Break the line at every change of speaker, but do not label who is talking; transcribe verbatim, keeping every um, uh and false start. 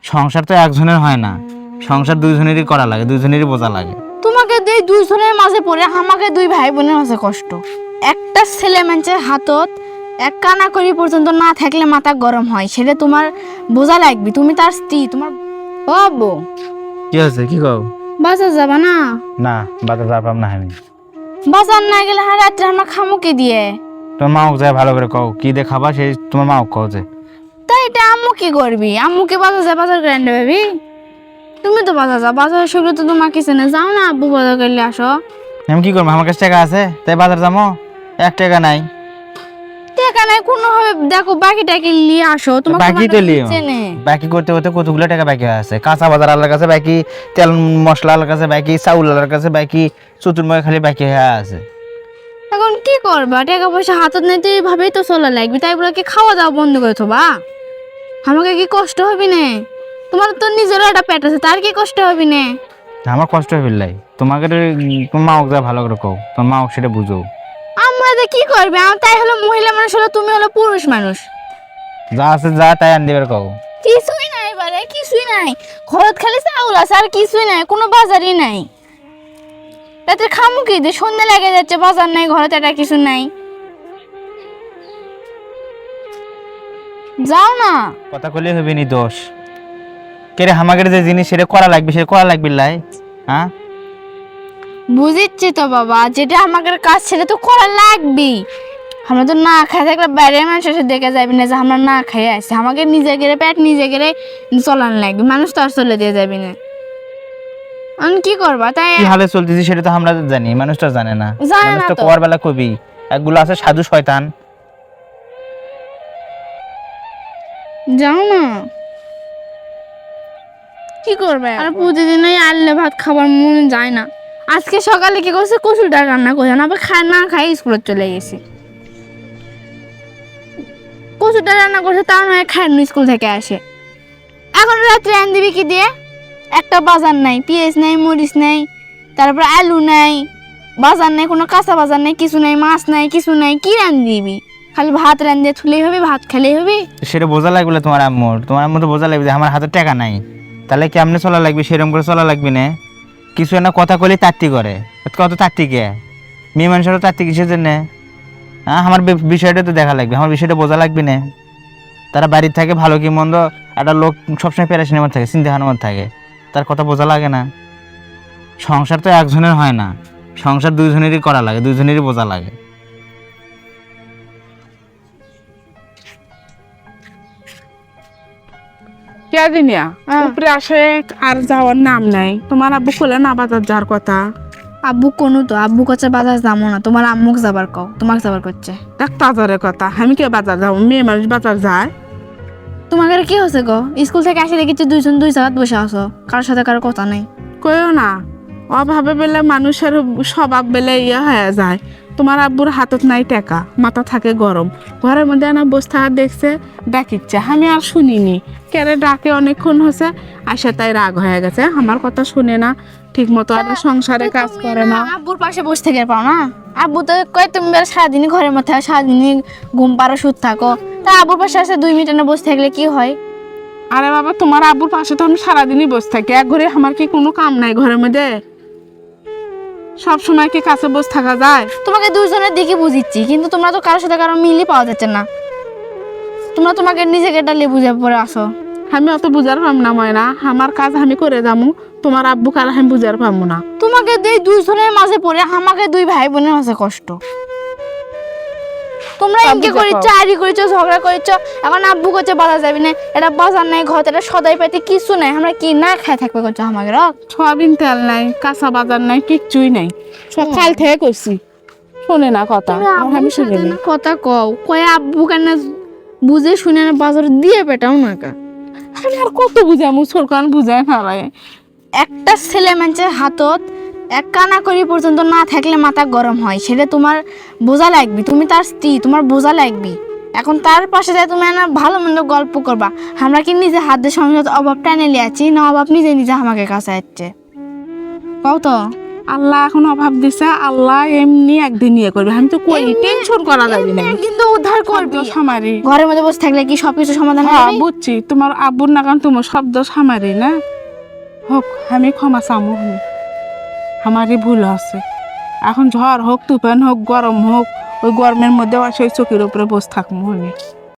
সংসার তো একজনের হয় না, সংসার দুইজনেরই করা লাগে, দুইজনেরই বোঝা লাগে।
তোমাকে দুই দুইজনের মাঝে পড়ে আমাকে দুই ভাই বোনের মাঝে কষ্ট। একটা ছেলে মানুষের হাতত এক কানা করি পর্যন্ত না থাকলে মাথা গরম হয়, সেটা তোমার বোঝা লাগবে। তুমি তার স্ত্রী, তোমার ও আব্বু
কি হয়েছে, কি কও?
বাজার যাবা না?
না, বাজার যাবাম না আমি।
বাজার না গেলে হ্যাঁ রাত্রে আমরা খামুকে দিয়ে।
তোমার মাও যায় ভালো করে কও, কি দিয়ে খাবা সেই তোমার মাও কও যে।
তাই এটা আম্মু কি করবি? আম্মুকে বাজার যা বাজার করে আনতে ভাবি। তুমি তো বাজার যাও, বাজার সেগুলো তো তোমার কিছু না, যাও না আব্বু বাজার করলে আসো।
আমি কি করবো, আমার কাছে টাকা আছে তাই বাজার যাবো? এক টাকা নাই।
টাকা নাই কোনো ভাবে দেখো বাকি টাকি নিয়ে আসো। তোমার
বাকি তো লিও, বাকি করতে করতে কতগুলো টাকা বাকি আছে। কাঁচা বাজার আলার কাছে বাকি, তেল মশলা আলার কাছে বাকি, চাউল আলার কাছে বাকি, চতুর্ময় খালি বাকি হয়ে আছে।
এখন কি করবা? টাকা পয়সা হাতত নেই তো এইভাবেই তো চলা লাগবে। তাই বলে কি খাওয়া দাওয়া বন্ধ করে থবা? আমাকে কি কষ্ট হবে না? তোমার তো নিজেরও একটা পেট আছে, তার কি কষ্ট হবে না?
আমার কষ্ট হয়ে ফেললাই, তোমাকে তোমার মাও যা ভালো করে কও, তোমার মাও সেটা বুঝো।
আমরা যে কি করবে? আমি তাই হলো মহিলা মানুষ, হলো তুমি হলো পুরুষ মানুষ।
যা আছে যা তাই আন দিবার কও।
কিছুই নাই বারে, কিছুই নাই। ঘরত খালি চাউল আছে, আর কিছুই নাই, কোনো বাজারই নাই। রাতে খামু কি দিয়ে? সন্ধ্যা লেগে যাচ্ছে, বাজার নাই, ঘরে এটা কিছু নাই। যাও না।
কথা কইলে হবে নি দোষ। কেরে হামাগের যে জিনিস সেটা করা লাগবে, সেটা করা লাগবে লাই। হ্যাঁ
বুঝিচ্ছি তো বাবা, যেটা আমাদের কাজ সেটা তো করা লাগবেই। আমরা তো না খাই থাকলে বাইরের মানুষ এসে দেখে যাবে না যে আমরা না খাই আসছি। আমাকে নিজে গেলে পেট নিজে গেলে চলান লাগবে, মানুষ তো আর চলে দিয়ে যাবে না। আমি কি করবা? তাই
কি হালে চলতেছি সেটা তো আমরা জানি, মানুষটা জানে না।
জানে
মানুষ
না
তো
তো।
কোয়ার বেলা কবি একগুলো আছে সাধু শয়তান।
যাও না। কি করবে? আর প্রতিদিন ওই আললে ভাত খাবার মনে যায় না। আজকে সকালে কি করছে, কচুর ডাল রান্না করছে না, আবার খাই না খাই স্কুলে চলে গেছি। কচুর ডাল রান্না করছে, তাও নয় খায় না, স্কুল থেকে আসে। এখন রাত্রে আন দিবি কি দিয়ে? একটা বাজার নাই, পেঁয়াজ নাই, মরিচ নাই, তারপর আলু নাই, বাজার নাই, কোনো কাঁচা বাজার নাই, কিছু নাই, মাছ নাই, কিছু নাই। কি রান দিবি? খালি ভাত রান দিয়ে থুলেই হবে, ভাত খেলেই হবে।
সেটা বোঝা লাগবে তোমার আম্মুর, তোমার আম্মু তো বোঝা লাগবে যে আমার হাতে টাকা নাই, তাহলে কেমনে চলা লাগবে, সেরকম করে চলা লাগবে না। কিছু না কথা কইলে তাত্তি করে, কত তাত্তি কে? মেয়ে মানুষেরও তাত্তি কিসের জন্য? হ্যাঁ আমার বে- বিষয়টা তো দেখা লাগবে, আমার বিষয়টা বোঝা লাগবে না। তারা বাড়ির থাকে ভালো কি মন্দ, একটা লোক সবসময় প্যারাশিনের মধ্যে থাকে, চিন্তাহার মধ্যে থাকে, তার কথা বোঝা লাগে না। সংসার তো একজনের হয় না, সংসার দুইজনেরই করা লাগে, দুইজনেরই বোঝা লাগে।
কেদিনিয়া
হ্যাঁ।
উপরে আসে আর যাওয়ার নাম নাই। তোমার আব্বু কইলে না বাজার যাওয়ার কথা।
আব্বু কোনো তো আব্বু কাছে বাজার যাবো না, তোমার আম্মুক যাবার কও, তোমাকে যাবার করছে।
দেখ বাজারের কথা, আমি কে বাজার যাবো? মেয়ে মানুষ বাজার যায়?
তোমাকে কি হচ্ছে গো? স্কুল থেকে আসে দেখেছি দুইজন দুই জায়গায় বসে আছো, কারোর সাথে কারো কথা নাই।
কইও না, অভাবে বেলে মানুষের স্বভাব বেলে ইয়ে হয়ে যায়। তোমার আব্বুর হাতত নাই টাকা, মাথা থাকে গরম, ঘরের মধ্যে না বসে থাকা দেখছে, ডাকিচ্ছে। আমি আর শুনিনি, কেরে ডাকে অনেকক্ষণ হচ্ছে, আসে তাই রাগ হয়ে গেছে, আমার কথা শুনে না, ঠিক মতো আর সংসারে কাজ করে না।
আব্বুর পাশে বসে থেকে পাও না? আব্বু তো কয় তুমি বেলা সারাদিনই ঘরের মধ্যে থাকো, সারাদিনই ঘুম পারো, সুদ থাকো। তা আব্বুর পাশে আসে দুই মিনিট না বসে থাকলে কি হয়?
আরে বাবা, তোমার আব্বুর পাশে তো আমি সারাদিনই বসে থাকি, এক ঘরে আমার কি কোনো কাম নাই ঘরের মধ্যে? সব সময় কি কাছে বসে থাকা যায়?
তোমাকে দুইজনের দিকে বুঝিচ্ছি, কিন্তু তোমরা তো কারোর সাথে কারো মিলই পাওয়া যাচ্ছে না। তোমরা তোমাকে নিজেকে ডালিয়ে বুঝে পড়ে আসো।
আমি অত বুঝার পাম না ময়না, আমার কাজ আমি করে যাবো, তোমার আব্বু কার আমি বুঝার পাবো না।
তোমাকে দুই দুইজনের মাঝে পড়ে আমাকে দুই ভাই বোনের মাঝে কষ্ট। তোমরা
তা
ইনকে
বুঝে
করিচ্ছ,
পাও।
আরি করিচ্ছ, ঝগড়া করিচ্ছ। এখন আব্বু করছে বাজার যাবি না, এটা বাজার নাই, ঘর এটা সদাই পাইতে কিছু নাই, আমরা কি না খাই থাকবে করছো আমাকে?
সয়াবিন তেল নাই, কাঁচা বাজার নাই, কিচ্ছুই নাই। সকাল থেকে করছি, শোনে না কথা, আর আমি শুনি না।
কথা কও, কয়ে আব্বু কেন বুঝে শুনে না বাজার দিয়ে পেটাও না কা।
আমি আর কত বুঝামু, সরকার বুঝায় না রে।
একটা ছেলে মানুষের হাতত এক কানা করি পর্যন্ত না থাকলে মাথা গরম হয়, সেটা তোমার বোঝা লাগবে। তুমি তার স্ত্রী, তোমার বোঝা লাগবে। এখন তার পাশে যায় তুমি না ভালো মন্দ গল্প করবা। আমরা কি নিজে হাত দিয়ে সংসার অভাব টানে লিয়াছি, না অভাব নিজে নিজে আমাকে কাছে আসছে? কও তো।
আল্লাহ এখন অভাব দিছে, আল্লাহ এমনি একদিন ইয়ে করবে। আমি তো কই
এমনি-
টেনশন করা যাবে না।
একদিন তো উদ্ধার করবি।
শব্দ সামারি।
ঘরের মধ্যে বসে থাকলে কি সবকিছু সমাধান
হ্যাঁ
হবে?
বুঝছি, তোমার আব্বুর নাগান তোমার শব্দ সামারি না হোক, আমি ক্ষমা চামু, আমারই ভুল আছে। এখন ঝড় হোক, তুফান হোক, গরম হোক, ওই গরমের মধ্যে সেই চোখের উপরে বসে থাকবো।